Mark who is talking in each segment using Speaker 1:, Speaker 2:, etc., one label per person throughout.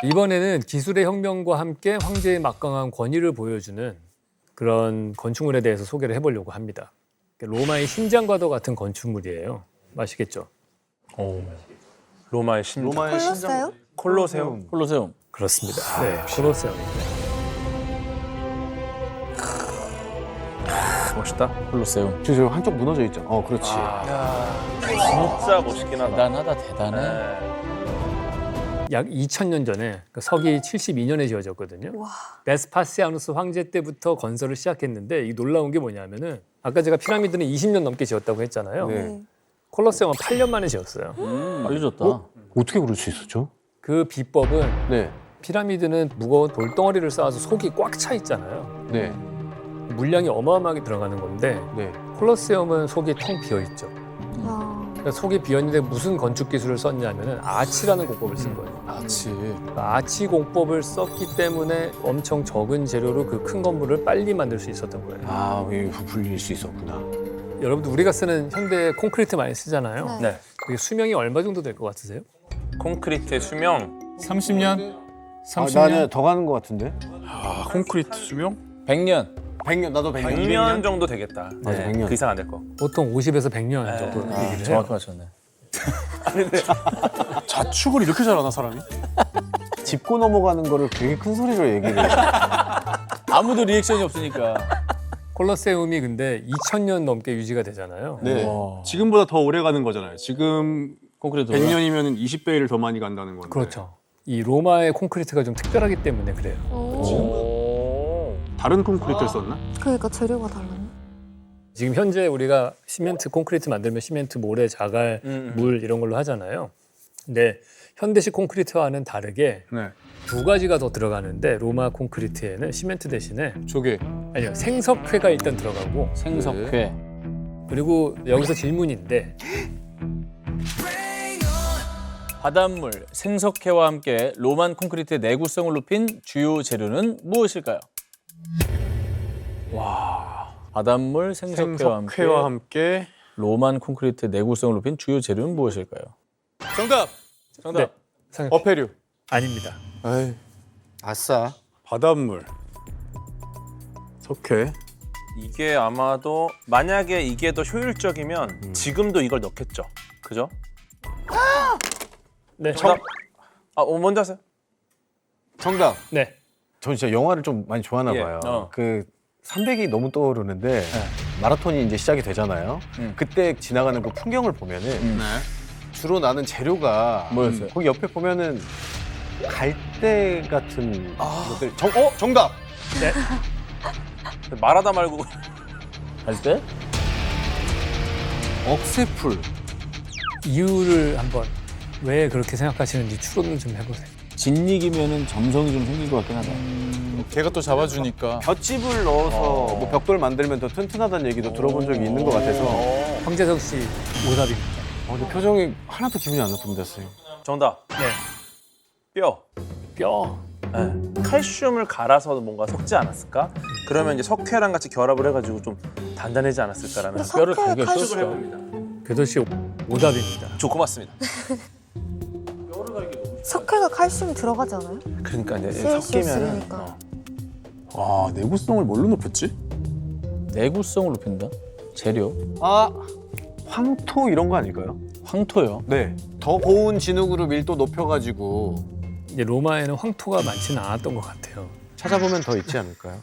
Speaker 1: 이번에는 기술의 혁명과 함께 황제의 막강한 권위를 보여주는 그런 건축물에 대해서 소개를 해보려고 합니다. 로마의 심장과도 같은 건축물이에요. 아시겠죠?
Speaker 2: 로마의 심장.
Speaker 3: 로마의 신장
Speaker 2: 콜로세움.
Speaker 4: 콜로세움.
Speaker 1: 그렇습니다. 네, 콜로세움입니다.
Speaker 2: 멋있다.
Speaker 4: 콜로세움.
Speaker 3: 저 한쪽 무너져 있죠. 그렇지.
Speaker 2: 진짜 멋있긴 하다.
Speaker 4: 대단하다, 대단해.
Speaker 2: 네.
Speaker 1: 약 2000년 전에 서기 72년에 지어졌거든요.
Speaker 5: 와.
Speaker 1: 베스파시아누스 황제 때부터 건설을 시작했는데 이 놀라운 게 뭐냐면은 아까 제가 피라미드는 20년 넘게 지었다고 했잖아요.
Speaker 3: 네.
Speaker 1: 콜로세움은 8년 만에 지었어요.
Speaker 4: 빨리 줬다.
Speaker 3: 어떻게 그럴 수 있었죠?
Speaker 1: 그 비법은
Speaker 3: 네.
Speaker 1: 피라미드는 무거운 돌덩어리를 쌓아서 속이 꽉 차 있잖아요.
Speaker 3: 네.
Speaker 1: 물량이 어마어마하게 들어가는 건데
Speaker 3: 네.
Speaker 1: 콜로세움은 속이 텅 비어 있죠.
Speaker 5: 야.
Speaker 1: 그러니까 속이 비어 있는데 무슨 건축 기술을 썼냐면은 아치라는 공법을 쓴 거예요.
Speaker 4: 아치.
Speaker 1: 그러니까 아치 공법을 썼기 때문에 엄청 적은 재료로 그 큰 건물을 빨리 만들 수 있었던 거예요.
Speaker 3: 왜 부풀릴 수 있었구나.
Speaker 1: 여러분들 우리가 쓰는 현대 콘크리트 많이 쓰잖아요.
Speaker 5: 네.
Speaker 2: 네.
Speaker 1: 그게 수명이 얼마 정도 될 것 같으세요?
Speaker 2: 콘크리트의 수명.
Speaker 4: 30년? 30년?
Speaker 3: 나는 더 가는 것 같은데?
Speaker 6: 콘크리트 수명?
Speaker 4: 100년.
Speaker 3: 100년, 나도 100년.
Speaker 2: 100년 정도 되겠다.
Speaker 3: 맞아, 100년.
Speaker 2: 그 이상 안 될 거.
Speaker 1: 보통 50에서 100년 정도 얘기를 해요.
Speaker 4: 정확히 맞췄네.
Speaker 6: 자축을 이렇게 잘하나 사람이?
Speaker 3: 짚고 넘어가는 거를 되게 큰 소리로 얘기를 해.
Speaker 4: 아무도 리액션이 없으니까.
Speaker 1: 콜로세움이 근데 2000년 넘게 유지가 되잖아요.
Speaker 6: 네.
Speaker 4: 와.
Speaker 6: 지금보다 더 오래 가는 거잖아요. 지금
Speaker 4: 콘크리트.
Speaker 6: 100년이면 20배를 더 많이 간다는 건데.
Speaker 1: 그렇죠. 이 로마의 콘크리트가 좀 특별하기 때문에 그래요.
Speaker 2: 오.
Speaker 6: 다른 콘크리트를 썼나?
Speaker 5: 그러니까 재료가 달랐네.
Speaker 1: 지금 현재 우리가 시멘트 콘크리트 만들면 시멘트, 모래, 자갈, 물 이런 걸로 하잖아요. 근데 현대식 콘크리트와는 다르게
Speaker 6: 네.
Speaker 1: 두 가지가 더 들어가는데 로마 콘크리트에는 시멘트 대신에
Speaker 6: 조개.
Speaker 1: 아니요 생석회가 일단 들어가고
Speaker 4: 생석회.
Speaker 1: 그리고 여기서 질문인데
Speaker 4: 바닷물, 생석회와 함께 로만 콘크리트의 내구성을 높인 주요 재료는 무엇일까요? 와. 바닷물, 생석회와 함께
Speaker 6: 생석회와 함께.
Speaker 4: 로만 콘크리트의 내구성을 높인 주요 재료는 무엇일까요? 정답. 정답.
Speaker 1: 네, 생각해.
Speaker 6: 어패류.
Speaker 1: 아닙니다.
Speaker 6: 에이.
Speaker 3: 아싸.
Speaker 6: 바닷물. 석회.
Speaker 2: 이게 아마도 만약에 이게 더 효율적이면 지금도 이걸 넣겠죠. 그죠?
Speaker 1: 네,
Speaker 2: 정답. 먼저 하세요.
Speaker 3: 정답.
Speaker 1: 네.
Speaker 3: 전 진짜 영화를 좀 많이 좋아하나
Speaker 2: 예.
Speaker 3: 봐요. 그 300이 너무 떠오르는데 마라톤이 이제 시작이 되잖아요. 그때 지나가는 그 풍경을 보면은
Speaker 6: 네.
Speaker 3: 주로 나는 재료가
Speaker 4: 뭐였어요?
Speaker 3: 거기 옆에 보면은 갈대 같은 것들. 정답.
Speaker 2: 말하다 말고
Speaker 4: 할 때?
Speaker 3: 억새풀.
Speaker 1: 이유를 한번 왜 그렇게 생각하시는지 추론을 좀 해보세요.
Speaker 4: 진익이면은 정성이 좀 생길 것 같긴 하다.
Speaker 6: 걔가 또 잡아주니까.
Speaker 3: 볏짚을 넣어서 뭐 벽돌 만들면 더 튼튼하다는 얘기도 들어본 적이 있는 것 같아서.
Speaker 1: 황재석 씨 오답입니다.
Speaker 3: 근데 표정이 하나도 기분이 안 나쁩니다, 선생님.
Speaker 2: 정답.
Speaker 1: 네,
Speaker 2: 뼈.
Speaker 1: 뼈.
Speaker 2: 네. 칼슘을 갈아서 뭔가 섞지 않았을까? 그러면 이제 석회랑 같이 결합을 해가지고 좀 단단해지 않았을까라는
Speaker 4: 뼈를
Speaker 5: 석회에
Speaker 4: 갈겨
Speaker 5: 칼슘-
Speaker 4: 씌웠을까?
Speaker 1: 궤도 씨 오답입니다.
Speaker 2: 좋고 맞습니다.
Speaker 5: 석회가 칼슘이 들어가지 않아요?
Speaker 2: 그러니까 이제
Speaker 5: 쓸 수
Speaker 2: 섞이면은
Speaker 5: 있으니까.
Speaker 6: 와, 내구성을 뭘로 높였지?
Speaker 4: 내구성을 높인다? 재료?
Speaker 3: 황토 이런 거 아닐까요?
Speaker 4: 황토요.
Speaker 3: 네. 더 고운 진흙으로 밀도 높여가지고
Speaker 1: 이제 로마에는 황토가 많지는 않았던 것 같아요.
Speaker 3: 찾아보면 더 있지 않을까요?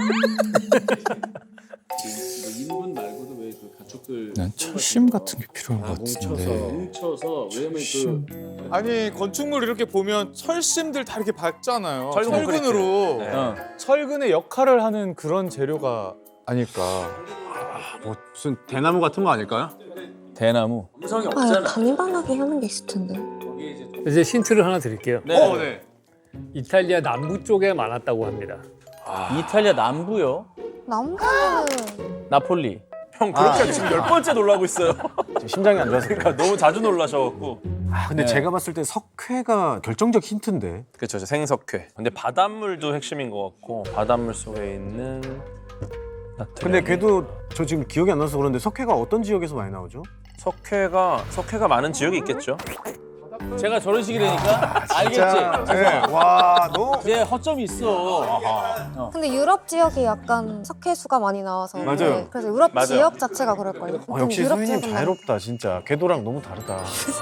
Speaker 4: 인분 말고도 왜 그 가축들
Speaker 6: 난 철심 같은 게 필요한 것 같은데.
Speaker 4: 뭉쳐서 왜냐면
Speaker 7: 아니 건축물 이렇게 보면 철심들 다 이렇게 박잖아요.
Speaker 2: 철근
Speaker 7: 철근으로
Speaker 2: 콘크리트.
Speaker 4: 어.
Speaker 7: 철근의 역할을 하는 그런 재료가 아닐까.
Speaker 6: 뭐 무슨 대나무 같은 거 아닐까요?
Speaker 4: 대나무.
Speaker 5: 단단하게 하는 게 있을 텐데.
Speaker 1: 이제 힌트를 하나 드릴게요.
Speaker 4: 네.
Speaker 6: 네.
Speaker 1: 이탈리아 남부 쪽에 많았다고 합니다.
Speaker 4: 이탈리아 남부요.
Speaker 5: 남자는
Speaker 4: 나폴리.
Speaker 2: 형 그렇게 지금 10번째 놀라고 있어요.
Speaker 3: 지금 심장이 안 좋아서.
Speaker 2: 그러니까 너무 자주 놀라셔갖고.
Speaker 3: 근데
Speaker 4: 네.
Speaker 3: 제가 봤을 때 석회가 결정적 힌트인데.
Speaker 2: 그렇죠, 생석회. 근데 바닷물도 핵심인 것 같고 바닷물 속에 있는
Speaker 3: 근데 걔도 저 지금 기억이 안 나서 그런데 석회가 어떤 지역에서 많이 나오죠?
Speaker 2: 석회가 많은 지역이 있겠죠.
Speaker 4: 제가 저런 식이라니까 알겠지?
Speaker 3: 네. 와, 너
Speaker 4: 이제 허점이 있어.
Speaker 5: 근데 유럽 지역이 약간 석회수가 많이 나와서
Speaker 3: 맞아요.
Speaker 5: 네, 그래서 유럽
Speaker 2: 맞아요.
Speaker 5: 지역 자체가 그럴걸요.
Speaker 3: 역시
Speaker 5: 유럽
Speaker 3: 소희님
Speaker 5: 지역은
Speaker 3: 자유롭다 진짜. 궤도랑 너무 다르다.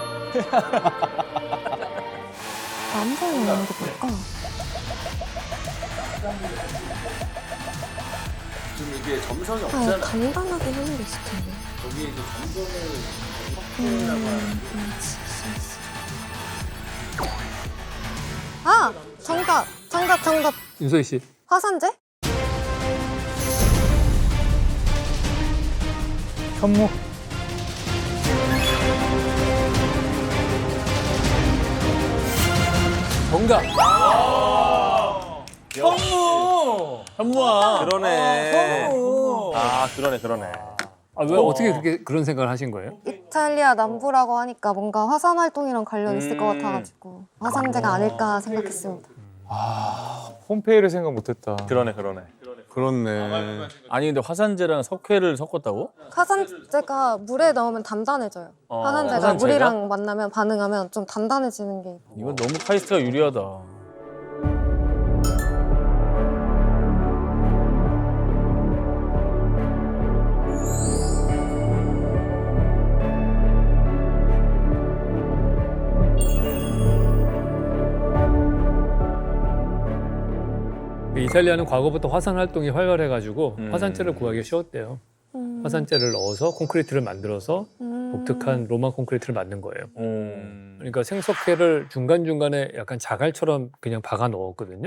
Speaker 5: 남자는 있는 게 뭘까?
Speaker 4: 좀 이게 점성이
Speaker 5: 간단하게 하는 게 있을 텐데.
Speaker 4: 거기에 이제
Speaker 5: 아! 정답.
Speaker 1: 윤소희 씨.
Speaker 5: 화산재?
Speaker 6: 현무.
Speaker 1: 정답.
Speaker 4: 현무야.
Speaker 2: 그러네. 아, 그러네.
Speaker 1: 아, 왜 어떻게 그런 생각을 하신 거예요?
Speaker 5: 이탈리아 남부라고 하니까 뭔가 화산 활동이랑 관련 있을 것 같아가지고 화산재가 아닐까 생각했습니다.
Speaker 6: 폼페이를 생각 못했다.
Speaker 2: 그러네.
Speaker 6: 그렇네.
Speaker 4: 아니 근데 화산재랑 석회를 섞었다고?
Speaker 5: 화산재가 물에 넣으면 단단해져요. 화산재가
Speaker 4: 화산재가?
Speaker 5: 물이랑 만나면 반응하면 좀 단단해지는 게.
Speaker 4: 이건 너무 카이스트가 유리하다.
Speaker 1: 이탈리아는 과거부터 화산 활동이 활발해가지고 화산재를 구하기 쉬웠대요. 화산재를 넣어서 콘크리트를 만들어서 독특한 로마 콘크리트를 만든 거예요. 그러니까 생석회를 중간중간에 약간 자갈처럼 그냥 박아 넣었거든요.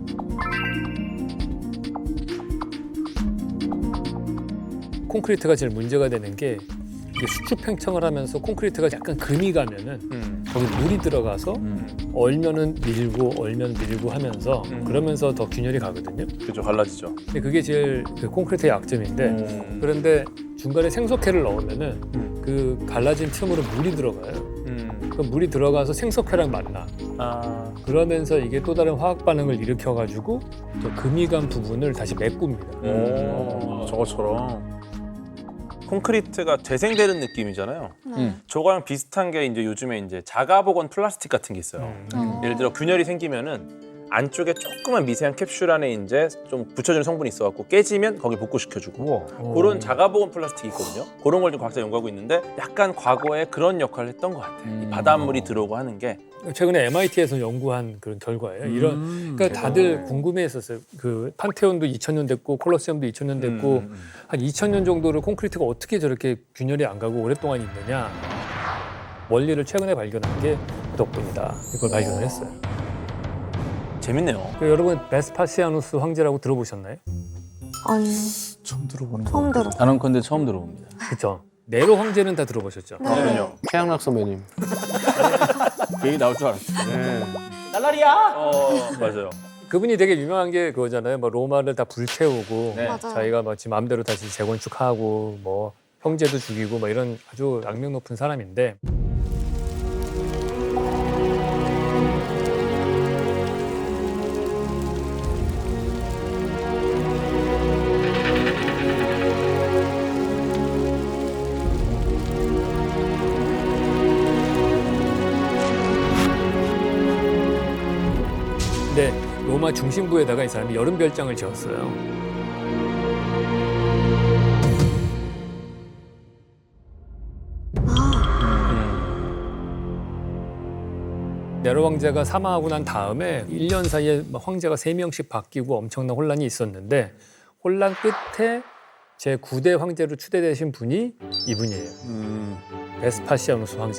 Speaker 1: 콘크리트가 제일 문제가 되는 게 이게 수축 팽창을 하면서 콘크리트가 약간 금이 가면은 거기 물이 들어가서 얼면은 밀고 하면서 그러면서 더 균열이 가거든요.
Speaker 2: 그죠, 갈라지죠.
Speaker 1: 근데 그게 제일 그 콘크리트의 약점인데 그런데 중간에 생석회를 넣으면은 그 갈라진 틈으로 물이 들어가요. 그 물이 들어가서 생석회랑 만나.
Speaker 2: 아,
Speaker 1: 그러면서 이게 또 다른 화학 반응을 일으켜가지고 저 금이 간 부분을 다시 메꿉니다.
Speaker 4: 저것처럼.
Speaker 2: 콘크리트가 재생되는 느낌이잖아요. 저거랑 비슷한 게 이제 요즘에 이제 자가복원 플라스틱 같은 게 있어요. 예를 들어 균열이 생기면은 안쪽에 조그만 미세한 캡슐 안에 이제 좀 붙여주는 성분이 있어갖고 깨지면 거기 복구시켜주고 그런 자가복원 플라스틱이 있거든요. 그런 걸 좀 과학자 연구하고 있는데 약간 과거에 그런 역할을 했던 것 같아요. 이 바닷물이 들어오고 하는 게
Speaker 1: 최근에 MIT에서 연구한 그런 결과예요. 그러니까 다들 궁금해했었어요. 그 판테온도 2000년 됐고 콜로세움도 2000년 됐고 한 2000년 정도를 콘크리트가 어떻게 저렇게 균열이 안 가고 오랫동안 있느냐 원리를 최근에 발견한 게 그 덕분이다. 이걸 발견을 했어요.
Speaker 2: 재밌네요.
Speaker 1: 여러분 베스파시아누스 황제라고 들어보셨나요?
Speaker 5: 아니,
Speaker 6: 처음 들어보는
Speaker 5: 처음 들어.
Speaker 4: 단언컨대 처음 들어봅니다.
Speaker 1: 그렇죠. 네로 황제는 다 들어보셨죠?
Speaker 2: 그럼요.
Speaker 3: 최양락 선배님.
Speaker 4: 그 얘기 나올 줄 알았어.
Speaker 2: 맞아요.
Speaker 1: 그분이 되게 유명한 게 그거잖아요. 뭐 로마를 다 불태우고
Speaker 4: 네.
Speaker 5: 맞아요.
Speaker 1: 자기가 뭐 지 마음대로 다시 재건축하고 뭐 형제도 죽이고 뭐 이런 아주 악명 높은 사람인데 근데 로마 중심부에다가 이 사람이 여름 별장을 지었어요. 네로 황제가 사망하고 난 다음에 1년 사이에 황제가 3명씩 바뀌고 엄청난 혼란이 있었는데 혼란 끝에 제9대 황제로 추대되신 분이 이분이에요. 베스파시아누스 황제.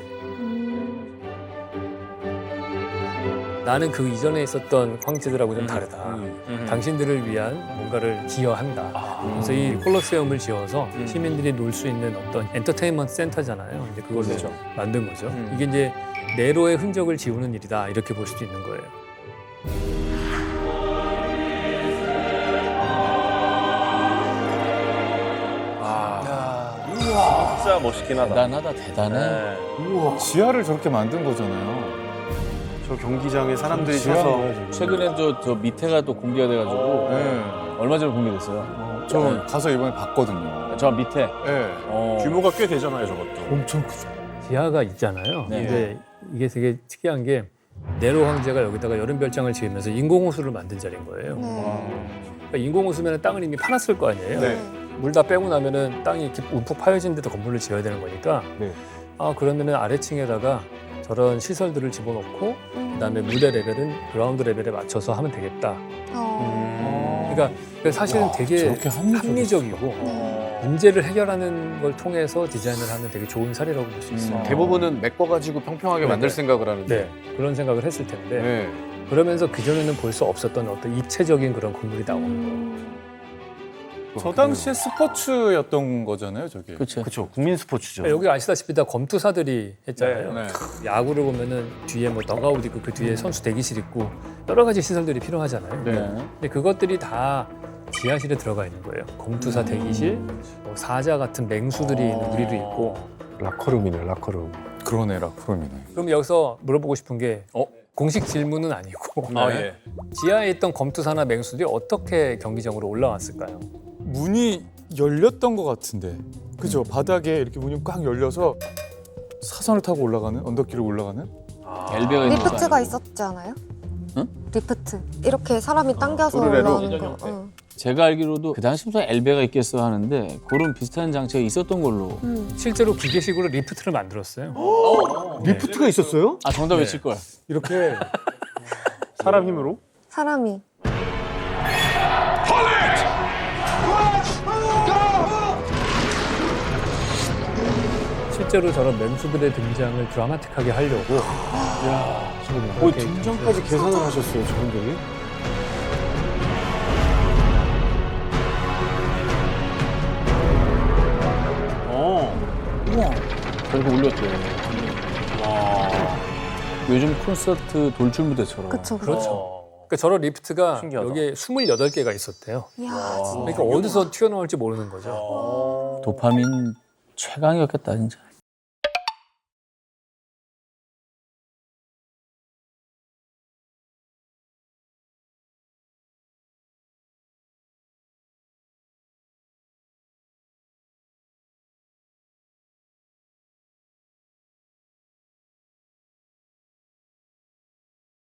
Speaker 1: 나는 그 이전에 있었던 황제들하고 좀 다르다. 당신들을 위한 뭔가를 기여한다. 그래서 이 콜로세움을 지어서 시민들이 놀 수 있는 어떤 엔터테인먼트 센터잖아요. 이제 그걸
Speaker 2: 그렇죠.
Speaker 1: 만든 거죠. 이게 이제 네로의 흔적을 지우는 일이다. 이렇게 볼 수도 있는 거예요.
Speaker 2: 진짜 멋있긴 하다.
Speaker 4: 대단하다, 대단해.
Speaker 2: 네.
Speaker 6: 우와, 지하를 저렇게 만든 거잖아요.
Speaker 3: 저 경기장에 사람들이
Speaker 6: 지하인
Speaker 3: 서서
Speaker 6: 거야, 지금.
Speaker 4: 최근에 저 밑에가 또 공개가 돼가지고
Speaker 6: 네.
Speaker 4: 얼마 전에 공개됐어요.
Speaker 6: 저 가서 이번에 봤거든요.
Speaker 4: 저 밑에.
Speaker 6: 네.
Speaker 4: 어.
Speaker 2: 규모가 꽤 되잖아요, 저것도.
Speaker 6: 엄청 크죠.
Speaker 1: 지하가 있잖아요.
Speaker 4: 네.
Speaker 1: 근데 이게 되게 특이한 게 네로 황제가 여기다가 여름 별장을 지으면서 인공호수를 만든 자리인 거예요. 그러니까 인공호수면 땅을 이미 파놨을 거 아니에요.
Speaker 3: 네.
Speaker 1: 물 다 빼고 나면은 땅이 이렇게 움푹 파여진 데도 건물을 지어야 되는 거니까
Speaker 3: 네.
Speaker 1: 그러면은 아래층에다가 저런 시설들을 집어넣고 그다음에 무대 레벨은 그라운드 레벨에 맞춰서 하면 되겠다. 그러니까 사실은 되게
Speaker 6: 저렇게
Speaker 1: 합리적이고 문제를 해결하는 걸 통해서 디자인을 하는 되게 좋은 사례라고 볼 수 있어요.
Speaker 3: 대부분은 메꿔가지고 평평하게 만들 생각을 하는데.
Speaker 1: 네, 그런 생각을 했을 텐데
Speaker 3: 네.
Speaker 1: 그러면서 그전에는 볼 수 없었던 어떤 입체적인 그런 건물이 나오는 거예요.
Speaker 6: 저 당시에 스포츠였던 거잖아요, 저게.
Speaker 4: 그렇죠.
Speaker 3: 그렇죠. 국민 스포츠죠.
Speaker 1: 그러니까 여기 아시다시피 다 검투사들이 했잖아요.
Speaker 6: 네.
Speaker 1: 야구를 보면은 뒤에 뭐 더가웃 있고 그 뒤에 선수 대기실 있고 여러 가지 시설들이 필요하잖아요.
Speaker 4: 네.
Speaker 1: 근데 그것들이 다 지하실에 들어가 있는 거예요. 검투사 대기실, 뭐 사자 같은 맹수들이 있는 우리도 있고.
Speaker 3: 라커룸이네, 라커룸.
Speaker 6: 그러네, 라크롬이네.
Speaker 1: 그럼 여기서 물어보고 싶은 게 공식 질문은 아니고
Speaker 2: 예.
Speaker 1: 지하에 있던 검투사나 맹수들이 어떻게 경기장으로 올라왔을까요?
Speaker 7: 문이 열렸던 것 같은데. 그죠? 바닥에 이렇게 문이 꽉 열려서 사선을 타고 올라가는 언덕길을 올라가는.
Speaker 4: 엘베가 있는 거
Speaker 5: 리프트가
Speaker 4: 아니고.
Speaker 5: 있었지 않아요?
Speaker 4: 응?
Speaker 5: 리프트. 이렇게 사람이 당겨서
Speaker 3: 오르내로?
Speaker 5: 올라오는 거. 응.
Speaker 4: 제가 알기로도 그 당시 무슨 엘베가 있겠어 하는데 그런 비슷한 장치가 있었던 걸로.
Speaker 1: 실제로 기계식으로 리프트를 만들었어요.
Speaker 3: 리프트가 있었어요?
Speaker 4: 아 정답 외칠 걸.
Speaker 3: 이렇게 사람 힘으로?
Speaker 5: 사람이.
Speaker 1: 실제로 저런 맹수들의 등장을 드라마틱하게 하려고
Speaker 3: 거의 등장까지 계산을 하셨어요, 저분들이?
Speaker 4: 저렇게 올렸대. 와. 요즘 콘서트 돌출 무대처럼.
Speaker 5: 그쵸,
Speaker 1: 그렇죠. 그러니까 저런 리프트가
Speaker 2: 신기하다.
Speaker 1: 여기에 28개가 있었대요.
Speaker 5: 이야, 진짜.
Speaker 1: 그러니까 어디서 튀어나올지 모르는 거죠.
Speaker 4: 도파민 최강이었겠다 진짜.